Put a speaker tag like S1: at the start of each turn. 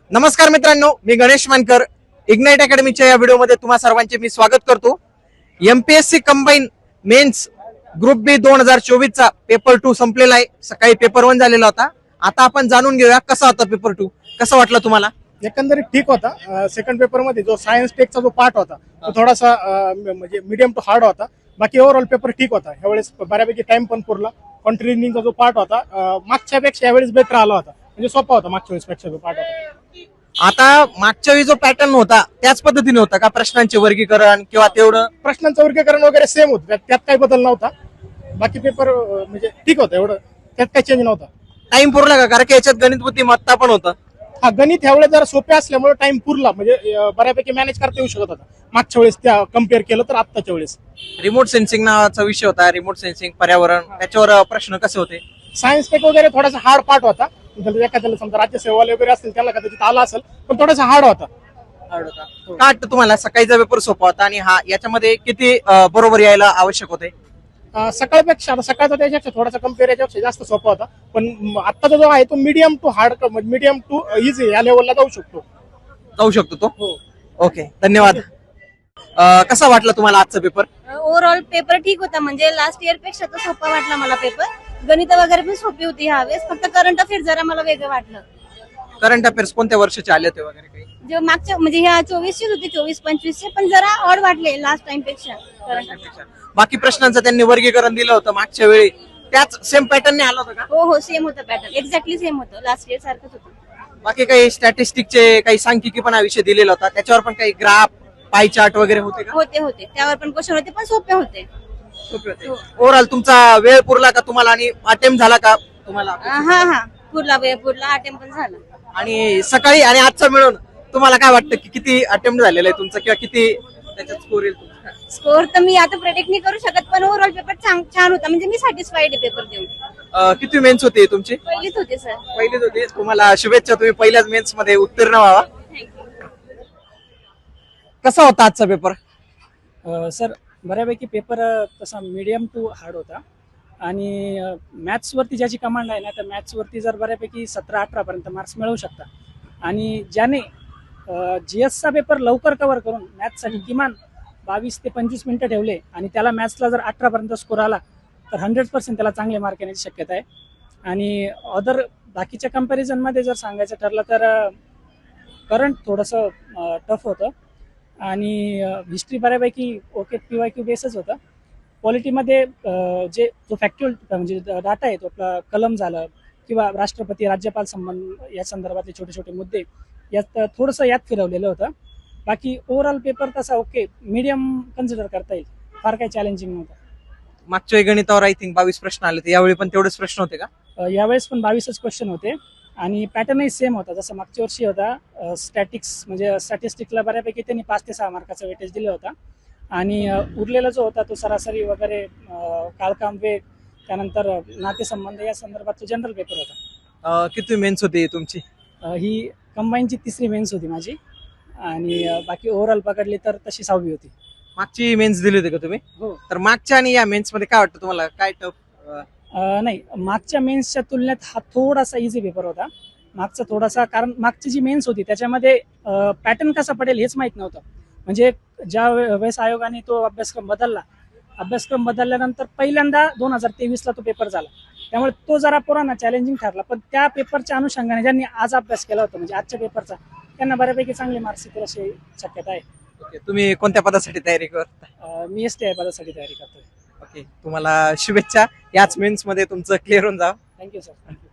S1: नमस्कार मित्रांनो, मी गणेश मानकर. इग्नाइट अकॅडमीच्या या व्हिडिओमध्ये तुम्हा सर्वांचे मी स्वागत करतो. MPSC combine mains group B 2024 चा पेपर 2 संपलेला आहे. सकाळी पेपर 1 झालेला होता. आता आपण जाणून घेऊया कसा होता पेपर 2. कसं वाटलं तुम्हाला?
S2: एकंदरीत ठीक होता. सेकंड पेपर मध्ये जो सायन्स टेकचा जो पार्ट होता तो थोडासा म्हणजे मीडियम टू हार्ड होता. बाकी ओव्हरऑल पेपर ठीक होता. ह्यावेळेस बऱ्यापैकी टाइम पण पुरला. कॉन्ट्रिनिंगचा जो पार्ट होता मागच्या पेक्षा यावेळेस बेटर आला होता. म्हणजे सोपा होता मागच्या वेळेस पेक्षा जो पार्ट होता.
S1: आता मागच्या वेळी जो पॅटर्न होता त्याच पद्धतीने होता का? प्रश्नांचे वर्गीकरण किंवा तेवढं
S2: प्रश्नांचं वर्गीकरण वगैरे सेम होतं. त्यात काही बदल नव्हता. बाकी पेपर म्हणजे ठीक होता. एवढं त्यात काही चेंज नव्हता.
S1: टाइम पुरला का? कारण की याच्यात गणित बुद्धिमत्ता पण होतं.
S2: हा, गणित ह्यावेळेस जरा सोपे असल्यामुळे टाइम पुरला. म्हणजे बऱ्यापैकी मॅनेज करता येऊ शकत होता मागच्या वेळेस त्या कम्पेअर केलं तर आत्ताच्या वेळेस.
S1: रिमोट सेन्सिंग नावाचा विषय होता. रिमोट सेन्सिंग, पर्यावरण, त्याच्यावर प्रश्न कसे होते?
S2: सायन्स टेक वगैरे थोडासा हार्ड पार्ट होता. एखाद्याला समजा राज्यसेवाले वगैरे असतील त्याला कदाचित आला असेल, पण थोडासा हार्ड होता.
S1: का वाटतं तुम्हाला? सकाळीचा पेपर सोपा होता आणि हा याच्यामध्ये किती बरोबर यायला आवश्यक होते?
S2: सकाळपेक्षा आता सकाळचा त्याच्यापेक्षा थोडासा कम्पेअर याच्यापेक्षा जास्त सोपा होता. पण आत्ताचा जो आहे तो medium to hard, medium to easy या लेवलला जाऊ शकतो
S1: तो. ओके, धन्यवाद. कसा वाटला तुम्हाला आजचा पेपर?
S3: ओव्हरऑल पेपर ठीक होता. म्हणजे लास्ट इयर पेक्षा तर सोपा वाटला मला पेपर. गणित वगैरे पण सोपी होती ह्यावेळेस. फक्त करंट अफेअर जरा मला वेगळं वाटलं.
S1: करंट अफेअर्स कोणत्या वर्षाचे आले होते वगैरे काही?
S3: जे मागच्या म्हणजे ह्या 24चे होते, 24-25चे, पण जरा ऑड वाटले लास्ट टाइम पेक्षा करंट अफेअर.
S1: बाकी प्रश्नांचं त्यांनी वर्गीकरण दिलं होतं मागच्या वेळी, त्याच सेम पॅटर्नने आलं होतं का?
S3: हो, सेम होतं पॅटर्न. एक्झॅक्टली सेम होतं. लास्ट इयर सारखंच होतं.
S1: बाकी काही स्टॅटिस्टिकचे काही सांख्यिकीपणा विषय दिलेला होता, त्याच्यावर पण काही ग्राफ, पाय चार्ट वगैरे होते का?
S3: होते त्यावर पण क्वेश्चन होते, पण सोपे होते.
S1: ओव्हरऑल तुमचा वेळ पुरला का तुम्हाला आणि अटेम्प्ट झाला का तुम्हाला?
S3: हा पुरला वेळ पुरला. अटेम्प्ट पण झाला.
S1: आणि सकाळी आणि आजचा मिळून तुम्हाला काय वाटतं की किती अटेम्प्ट झालेला आहे तुमचा किंवा किती त्याच्यात स्कोर येईल तुमचा?
S3: स्कोर तर मी आता प्रेडिक्ट नाही करू शकत, पण ओव्हरऑल पेपर छान होता. म्हणजे मी सॅटिस्फाईड आहे पेपर देऊन.
S1: किती मेन्स होते तुमची?
S3: पहिलीच होते सर.
S1: पहिलीच होती. तुम्हाला शुभेच्छा, तुम्ही पहिल्याच मेन्स मध्ये उत्तीर्ण व्हावा. कसा होता आजचा पेपर?
S4: सर बऱ्यापैकी पेपर तसा मीडियम टू हार्ड होता. आणि मॅथ्सवरती ज्याची कमांड आहे ना, तर मॅथ्सवरती जर बऱ्यापैकी 17-18 पर्यंत मार्क्स मिळवू शकता. आणि ज्याने GSचा पेपर लवकर कव्हर करून मॅथ्ससाठी किमान 22 ते 25 मिनिटं ठेवले आणि त्याला मॅथ्सला जर 18 पर्यंत स्कोर आला तर 100% त्याला चांगले मार्क येण्याची शक्यता आहे. आणि अदर बाकीच्या कंपॅरिझनमध्ये जर सांगायचं ठरलं तर करंट थोडंसं टफ होतं. आणि हिस्ट्री बऱ्यापैकी ओके PYQ बेसच होतं. पॉलिटीमध्ये जो फॅक्च्युअल म्हणजे डाटा आहे तो आपला कलम झालं किंवा राष्ट्रपती राज्यपाल संबंध या संदर्भातले छोटे छोटे मुद्दे यात थोडंसं यात फिरवलेलं होतं. बाकी ओव्हरऑल पेपर तसा ओके मीडियम कन्सिडर करता येईल. फार काही चॅलेंजिंग नव्हतं.
S1: मागच्या गणितावर आय थिंक 22 प्रश्न आले, यावेळी पण तेवढेच प्रश्न होते का?
S4: यावेळेस पण 22च क्वेश्चन होते. आणि पॅटर्नही सेम होता जसं मागच्या वर्षी होता. स्टॅटिक्स म्हणजे स्टॅटिस्टिकला बऱ्यापैकी त्यांनी 5 ते 6 मार्काचा वेटेज दिला होता. आणि उरलेला जो होता तो सरासरी वगैरे, काळकाम, वेग, त्यानंतर नातेसंबंध या संदर्भात जनरल पेपर होता.
S1: किती मेन्स होती तुमची?
S4: ही कंबाईनची 3री मेन्स होती माझी. आणि बाकी ओव्हरऑल पकडली तर तशी 6वी होती.
S1: मागची मेन्स दिली होती का तुम्ही?
S4: हो.
S1: तर मागच्या आणि या मेन्स मध्ये काय वाटतं तुम्हाला? काय टफ?
S4: नाही, मागच्या मेन्सच्या तुलनेत हा थोडासा इझी पेपर होता. मागचा थोडासा, कारण मागची जी मेन्स होती त्याच्यामध्ये पॅटर्न कसा पडेल हेच माहीत नव्हतं. म्हणजे ज्या वेळेस आयोगाने तो अभ्यासक्रम बदलल्यानंतर पहिल्यांदा 2023ला तो पेपर झाला. त्यामुळे तो जरा पुराणा चॅलेंजिंग ठरला. पण त्या पेपरच्या अनुषंगाने ज्यांनी आज अभ्यास केला होता म्हणजे आजच्या पेपरचा, त्यांना बऱ्यापैकी चांगले मार्क्स येतील अशी शक्यता आहे.
S1: ओके, तुम्ही कोणत्या पदासाठी तयारी करता?
S4: मी STI पदासाठी तयारी करतोय.
S1: ओके, तुम्हाला शुभेच्छा. याच मेन्स मध्ये तुमचं क्लिअर होऊन जावं.
S4: Thank you sir.